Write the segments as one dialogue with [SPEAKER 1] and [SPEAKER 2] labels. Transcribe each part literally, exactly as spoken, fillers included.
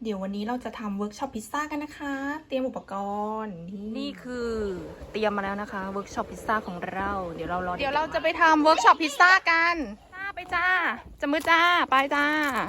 [SPEAKER 1] เดี๋ยววันนี้เราจะทำเวิร์กช็อปพิซซ่ากันนะคะ เตรียมอุปกรณ์นี่คือเตรียมมาแล้วนะคะเวิร์กช็อปพิซซ่าของเราเดี๋ยวเรารอเดี๋ยวเราจะไปทำเวิร์กช็อปพิซซ่ากันจ้าไปจ้าจะมือจ้าไปจ้า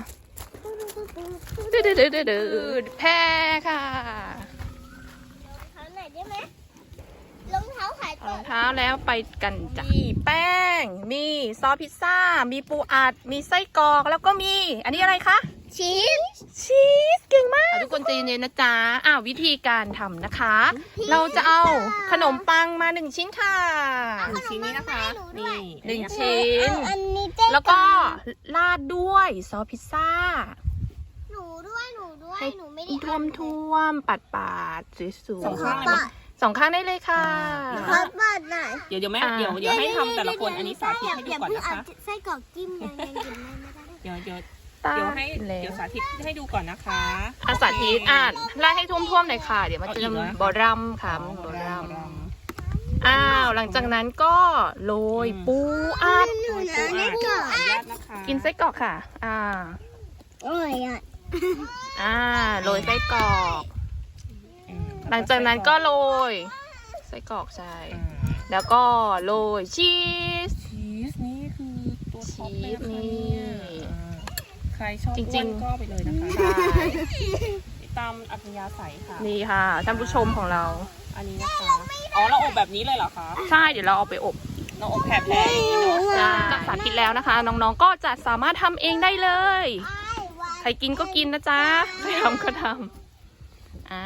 [SPEAKER 1] ดืดดืดดืดดืดแพ้ค่ะ
[SPEAKER 2] รองเท้าไหนอยได้ไหมรองเท้าขาย
[SPEAKER 1] ร
[SPEAKER 2] ตั
[SPEAKER 1] อ
[SPEAKER 2] ว
[SPEAKER 1] งเท้าแล้วไปกันจ้ะมีแป้งมีซอสพิซซ่ามีปูอัดมีไส้กรอกแล้วก็มีอันนี้อะไรคะ
[SPEAKER 2] ชีส
[SPEAKER 1] ชีสเก่งมากทุกคนใจเย็นๆนะจ๊ะอ้าววิธีการทำนะคะ เราจะเอาขนมปังมาหนึ่งชิ้นค่ะ
[SPEAKER 2] หนึ่งชิ้นนี้นะคะนี่
[SPEAKER 1] หนึ่งชิ้น
[SPEAKER 2] อันนี้เจ๊
[SPEAKER 1] แล้วก็ราดด้วยซอสพิซซ่า
[SPEAKER 2] หนูด้วยหนูด้วย
[SPEAKER 1] ให้
[SPEAKER 2] หนูไม่ได้
[SPEAKER 1] ท่วมท่วมปัดปาดๆสวยๆ
[SPEAKER 3] สองข้างเลยไหม
[SPEAKER 1] สองข้างได้เลยค่ะ
[SPEAKER 2] ขอเปิดหน่อย
[SPEAKER 3] เดี๋ยวเดี๋ยวแม่
[SPEAKER 1] อ่า
[SPEAKER 3] เดี๋ยวเดี๋ยวให้ทำแต่ละคนอันนี้สาธิตให้ดูก่อน
[SPEAKER 2] อย่า
[SPEAKER 3] นะคะ
[SPEAKER 2] เพิ่งเอาไส้กรอกจิ้มยังยังกินไม่ได้
[SPEAKER 3] เดี๋ยวเดี๋ยว
[SPEAKER 1] ตา
[SPEAKER 3] เดี๋ยวให้
[SPEAKER 1] แล้ว
[SPEAKER 3] เดี๋ยวสาธิตให้ดูก่อนนะคะ
[SPEAKER 1] อาสาธิตอ่านราดให้ท่วมท่วมๆหน่อยค่ะ เดี๋ยวมันจะ
[SPEAKER 3] เอาอีกเหรอ
[SPEAKER 1] บอรัมค่ะ
[SPEAKER 3] อ๋อ
[SPEAKER 1] บอรัม
[SPEAKER 3] รำร
[SPEAKER 1] อ้าวหลังจากนั้นก็โรย
[SPEAKER 3] อืม
[SPEAKER 1] ปูอัด
[SPEAKER 2] หนู
[SPEAKER 3] ำ
[SPEAKER 2] นะ
[SPEAKER 3] ปู
[SPEAKER 2] นี่
[SPEAKER 3] อัด
[SPEAKER 2] ก่อ
[SPEAKER 3] ขออนุญาตนะคะ
[SPEAKER 1] กินไส้กรอกค่ะ อ่า
[SPEAKER 2] โอ้ยอ่ะ
[SPEAKER 1] อ่าโรยไส้กรอก
[SPEAKER 3] อืม
[SPEAKER 1] หลังจากนั้นก็โรยไส้กรอกใช่
[SPEAKER 3] อ่า
[SPEAKER 1] แล้วก็โรยชีส
[SPEAKER 3] ชีสนี่คือตัวท็อปเลยนะคะ
[SPEAKER 1] ชีสนี่
[SPEAKER 3] เนี่ยอ่าใครชอบ
[SPEAKER 1] จริงๆ
[SPEAKER 3] อ้วนก็ไปเลยนะคะ
[SPEAKER 1] ใช่
[SPEAKER 3] ตามอัธยาศัยค่ะ
[SPEAKER 1] นี่ค่ะท่านผู้ชมของเรา
[SPEAKER 3] อันนี้นะคะ อ๋อเราอบแบบนี้เลยเหรอคะ
[SPEAKER 1] ใช่เดี๋ยวเราเอาไปอบ
[SPEAKER 3] เราอบแผ่ๆอย่างนี้เนาะ
[SPEAKER 1] จ้าจากสาธิตแล้วนะคะ น้องๆก็จะสามารถทำเองได้เลย
[SPEAKER 2] ไอ้วัน
[SPEAKER 1] ใครกินก็กินนะจ๊ะใครทำก็ทำอ่า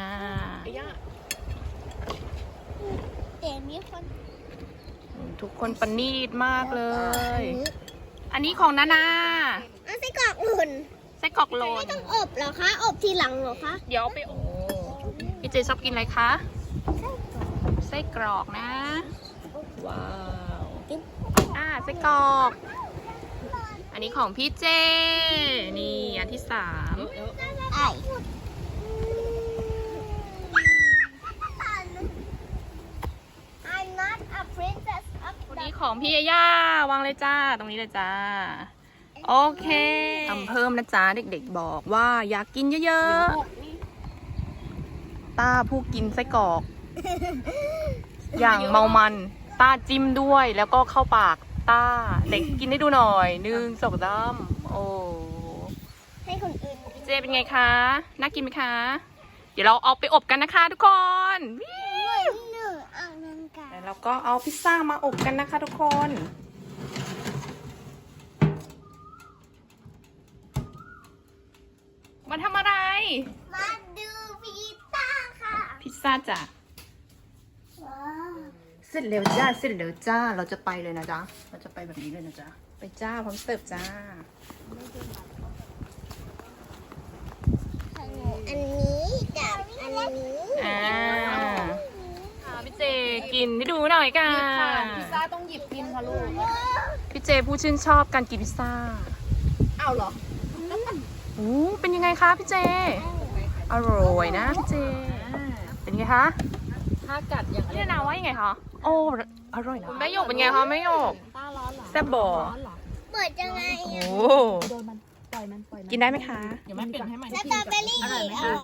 [SPEAKER 2] เดี๋ยวมีคน
[SPEAKER 1] ทุกคนประณีตมากเลย อันนี้ของนานา
[SPEAKER 2] เอาไส้กรอกหล่น
[SPEAKER 1] ไส้กรอกโล
[SPEAKER 2] ไม่
[SPEAKER 1] น
[SPEAKER 2] ต้องอบเหรอคะ อบทีหลังเหรอคะ
[SPEAKER 1] เดี๋ยวเอาไปอบพี่เจชอบกินอะไรคะ ไส้กรอกนะ ว้าว อ่าไส้กรอก อันนี้ของพี่เจ นี่อันที่สาม
[SPEAKER 2] ไอ้ I'm not a princess of
[SPEAKER 1] วัน
[SPEAKER 2] the
[SPEAKER 1] นี้ของพี่ยาย่าวางเลยจ้า ตรงนี้เลยจ้า โอเคทำเพิ่มนะจ๊ะเด็กๆบอกว่าอยากกินเยอะๆ ต้าผู้กินไส้กรอก อย่างเมามันต้าจิ้มด้วยแล้วก็เข้าปากต้าเด็กกินให้ดูหน่อยหนึ่งสองสามโอ้
[SPEAKER 2] ให้คนอื่น
[SPEAKER 1] เจเป็นไงคะ น่ากินไหมคะ เดี๋ยวเราเอาไปอบกันนะคะทุกคน
[SPEAKER 2] หนึ่งอ่างนังกา
[SPEAKER 1] แล้วเราก็เอาพิซซ่ามาอบกันนะคะทุกคน มาทำอะไร
[SPEAKER 2] มาดูพิซซ่าค่ะ
[SPEAKER 1] พิซซ่าจ้ะ
[SPEAKER 2] ว้าว
[SPEAKER 1] เสร็จเร็วจ้า เสร็จเร็วจ้า เราจะไปเลยนะจ๊ะ เราจะไปแบบนี้เลยนะจ๊ะ ไปจ้าพร้อมเสิร์ฟจ้า
[SPEAKER 2] อันนี้กับอันนี้
[SPEAKER 1] อ่าอ่าพี่เจกินให้ดูหน่อยกัน
[SPEAKER 4] พิซซ่าต้องหยิบกินค่ะลูก
[SPEAKER 1] พี่เจผู้ชื่นชอบการกินพิซซ่า
[SPEAKER 4] อ้าวเหรอ
[SPEAKER 1] โอ้เป็นยังไงคะพี่เจ อร่อยนะพี่เจ เป็นไงคะ
[SPEAKER 4] ถ้ากัดอย่าง
[SPEAKER 1] พี่นาว่ายังไงคะ โอ้อร่อยนะแม่หยกเป็นไงคะแม่หยก
[SPEAKER 4] ต้าร้อนเหรอ
[SPEAKER 1] แซ่บบ่
[SPEAKER 4] ร้อนเหรอ
[SPEAKER 2] เปิดยังไง
[SPEAKER 1] โอ้
[SPEAKER 2] อ่ะ
[SPEAKER 4] โดนมัน ปล่อยมัน ปล่อยมัน
[SPEAKER 1] กินได้ไหมคะ
[SPEAKER 3] เดี๋ยวแม่เปลี่ยนให้ใหม่
[SPEAKER 2] สตรอเบอรี่